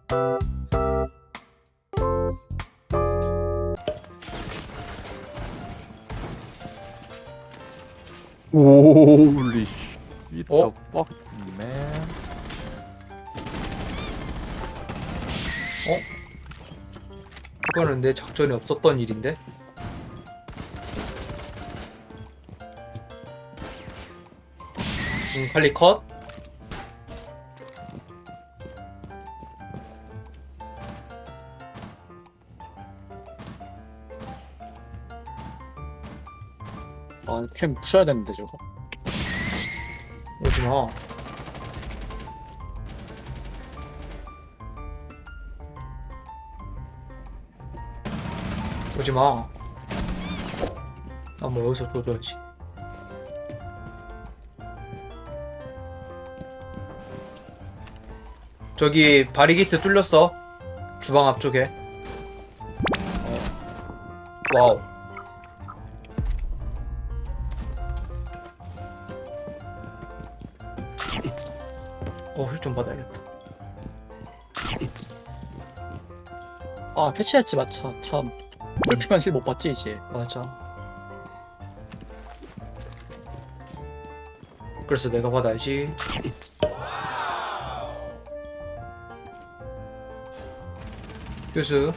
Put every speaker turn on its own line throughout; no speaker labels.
오리 씨.
어?
fuck man.
이거는 내 작전에 없었던 일인데? 칼리 컷?
아, 캠 부셔야 되는데 저거.
오지마. 오지마. 나 뭐 여기서 줘줘야지. 저기 바리게이트 뚫렸어. 주방 앞쪽에. 와우. 힐 좀 받아야겠다.
아, 패치했지 마차. 참. 꿀피면 힐 못 받지 이제.
맞아. 그래서 내가 받아야지. 교수.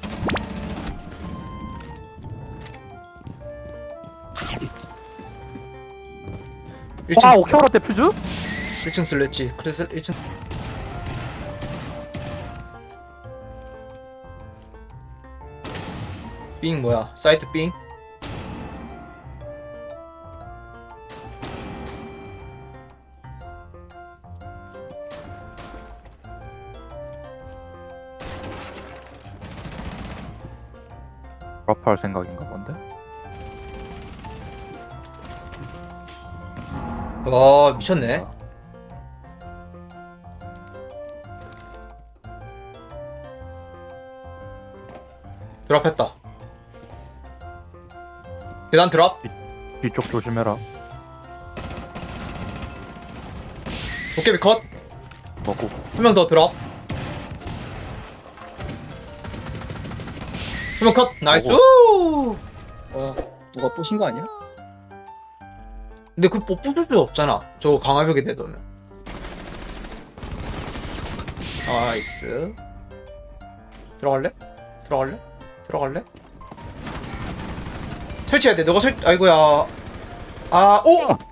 와, 오케오라 때 퓨즈?
1층 슬랬지. 그래서 1층. 삥 뭐야? 사이트 삥?
드랍할 생각인가 본데?
와 미쳤네. 드랍했다. 계단 드랍.
뒤쪽 조심해라.
도깨비 컷.
먹고.
한 명 더 드랍. 한 명 컷. 나이스.
누가 부신 거 아니야?
근데 그뭐 부술 수 없잖아. 저거 강화벽에 대두면. 나이스. 들어갈래? 들어갈래? 들어갈래? 설치해야 돼. 너가 아이고야. 아, 오! 야,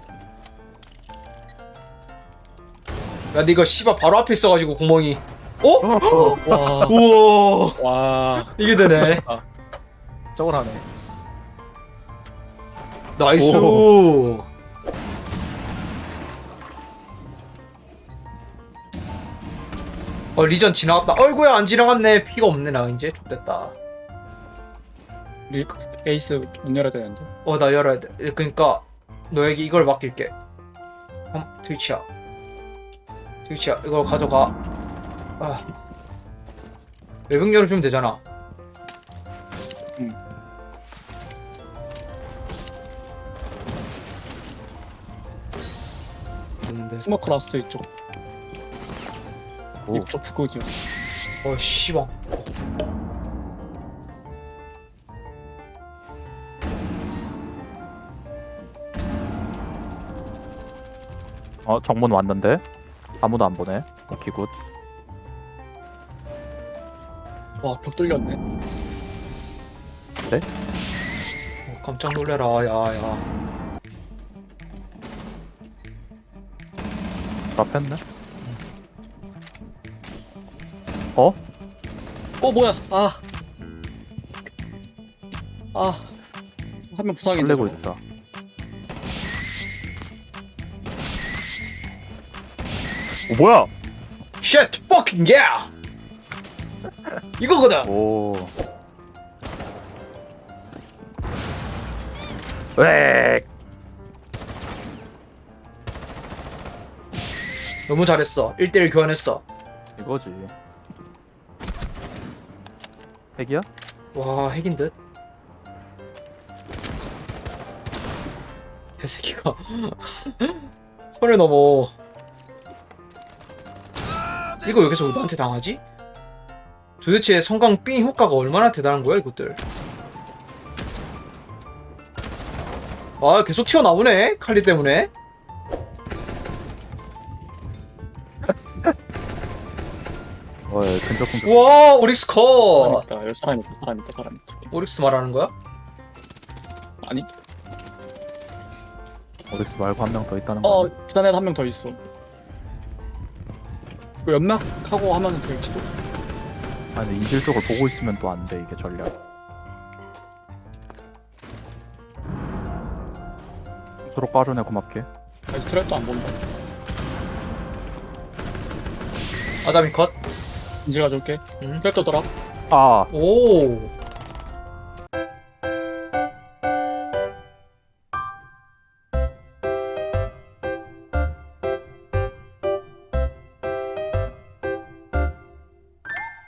근데 이거 씨발 바로 앞에 있어가지고 구멍이. 어?
와.
우와.
와.
이게 되네.
저걸 하네.
나이스.
오.
리전 지나갔다. 어이구야, 안 지나갔네. 피가 없네, 나 이제. 좋됐다.
에이스 문 열어야 되는데.
나 열어야 돼. 그니까, 너에게 이걸 맡길게. 트위치야. 트위치야, 이걸 가져가. 외벽 열어주면 되잖아.
응.
됐는데.
스모크 라스트 이쪽.
오.
이쪽 불고기였어.
씨발.
정문 왔는데? 아무도 안 보네. 오케이, 굿.
와, 벽 뚫렸네.
깜짝 놀래라, 야.
드랍했네?
뭐야? 한 명 부상인데.
설레고 있다. 뭐야?
Shit, fucking yeah! 이거거든!
오. 왜?
너무 잘했어. 1대1 교환했어.
이거지. 핵이야?
와, 핵인 듯? 개새끼가 선을 넘어. 이거 여기서 나한테 당하지? 도대체 성광 삥 효과가 얼마나 대단한 거야 이것들. 아 계속 튀어나오네 칼리 때문에.
근접공격.
우와 오릭스 컷.
여기 사람 있다, 사람 있다, 사람 있다.
오릭스 말하는 거야?
아니,
오릭스 말고 한 명 더 있다는 거.
계단에 한 명 더 있어. 그 연막하고 하면 될지도.
아니 이질 쪽을 보고 있으면 또 안 돼 이게 전략. 스스로 빠져내 고맙게.
아직 트랩도 안 본다.
아자미 컷.
인질 가져올게.
응.
트랩도 돌아.
아
오